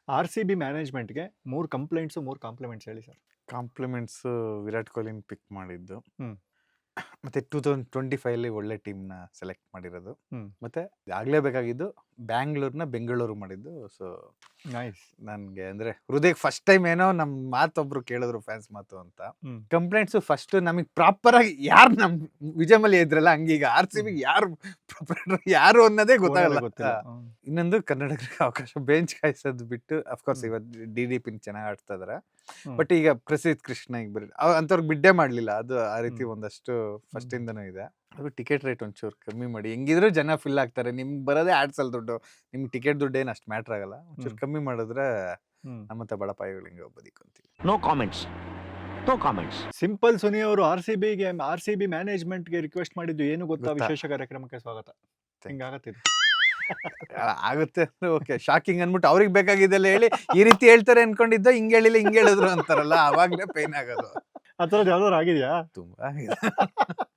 R C B ಮ್ಯಾನೇಜ್ಮೆಂಟ್ಗೆ 3 complaints 3 compliments ಹೇಳಿ ಸರ್. ಕಾಂಪ್ಲಿಮೆಂಟ್ಸ್ ವಿರಾಟ್ ಕೊಹ್ಲಿನ ಪಿಕ್ ಮಾಡಿದ್ದು. ಹ್ಮ್. ಮತ್ತೆ 2025 ಒಳ್ಳೆ ಟೀಮ್ನ ಸೆಲೆಕ್ಟ್ ಮಾಡಿರೋದು. ಹ್ಮ್. ಮತ್ತೆ ಆಗ್ಲೇಬೇಕಾಗಿದ್ದು ಬ್ಯಾಂಗ್ಳೂರ್ನ ಬೆಂಗಳೂರು ಮಾಡಿದ್ದು. So nice. ನನ್ಗೆ ಅಂದ್ರೆ ಹೃದಯಕ್ಕೆ ಫಸ್ಟ್ ಟೈಮ್ ಏನೋ ನಮ್ ಮಾತೊಬ್ರು ಕೇಳಿದ್ರು ಫ್ಯಾನ್ಸ್ ಮಾತು ಅಂತ. ಹ್ಮ್. ಕಂಪ್ಲೇಂಟ್ಸ್ ಫಸ್ಟ್ ನಮಗೆ ಪ್ರಾಪರ್ ಆಗಿ ಯಾರು ನಮ್ ವಿಜಯಮಲ್ಲಿ ಇದ್ರಲ್ಲ ಹಂಗೀಗ ಆರ್ ಸಿ ಬಿ ಯಾರು ಅನ್ನೋದೇ ಗೊತ್ತಾಗಲ್ಲ. ಗೊತ್ತಿಲ್ಲ. ಇನ್ನೊಂದು ಕನ್ನಡಿಗರಿಗೆ ಅವಕಾಶ ಬೆಂಚ್ ಕಾಯಿಸೋದು ಬಿಟ್ಟು ಅಫ್ಕೋರ್ಸ್ ಇವತ್ತು DDP ಚೆನ್ನಾಗಿ ಆಡ್ತಾ ಇದಾರೆ. ಹ್ಮ್. ಬಟ್ ಈಗ ಪ್ರಸಿದ್ಧ ಕೃಷ್ಣ ಈಗ ಬರೀ ಅಂತವ್ರಿಗೆ ಬಿಡ್ಡೇ ಮಾಡ್ಲಿಲ್ಲ. ಅದು ಆ ರೀತಿ ಹ್ಮ್. ಒಂದಷ್ಟು ಫಸ್ಟ್ ಇಂದನೂ ಇದೆ. ಅದು ಟಿಕೆಟ್ ರೇಟ್ ಒಂಚೂರು ಕಮ್ಮಿ ಮಾಡಿ, ಹೆಂಗಿದ್ರು ಜನ ಫಿಲ್ ಆಗ್ತಾರೆ. ನಿಮ್ಗೆ ಬರೋದೇ ಆಡ್ಸ್ ಅಲ್ಲಿ ದುಡ್ಡು, ನಿಮ್ಗೆ ಟಿಕೆಟ್ ದುಡ್ಡು ಏನು ಅಷ್ಟು ಮ್ಯಾಟ್ರ್ ಆಗಲ್ಲ. ಒಂಚೂರು ಕಮ್ಮಿ ಮಾಡಿದ್ರೆ ನಮ್ಮಂತ ಬಡಪಾಯಿಗಳು ಹಿಂಗೆ ಬದುಕೊಂತೀವಿ. No comments. No comments. Simple Suni ಅವರು ಆರ್ ಸಿ ಬಿ ಮ್ಯಾನೇಜ್ಮೆಂಟ್ಗೆ ರಿಕ್ವೆಸ್ಟ್ ಮಾಡಿದ್ದು ಏನು ಗೊತ್ತಾ? ಗೊತ್ತಾ? ವಿಶೇಷ ಕಾರ್ಯಕ್ರಮಕ್ಕೆ ಸ್ವಾಗತ. ಹಿಂಗಾಗತ್ತಿದೆ. ಆಗುತ್ತೆ ಅಂದ್ರೆ ಓಕೆ, ಶಾಕಿಂಗ್ ಅನ್ಬಿಟ್ಟು ಅವ್ರಿಗೆ ಬೇಕಾಗಿದ್ದೆಲ್ಲ ಹೇಳಿ ಈ ರೀತಿ ಹೇಳ್ತಾರೆ ಅನ್ಕೊಂಡಿದ್ದ, ಹಿಂಗೆ ಹೇಳಿಲ್ಲ ಹಿಂಗೆ ಹೇಳಿದ್ರು ಅಂತಾರಲ್ಲ, ಅವಾಗ್ಲೇ ಪೈನ್ ಆಗೋದು. ಆ ಥರದ್ದು ಯಾವ್ದಾದ್ರು ಆಗಿದೆಯಾ? ತುಂಬಾ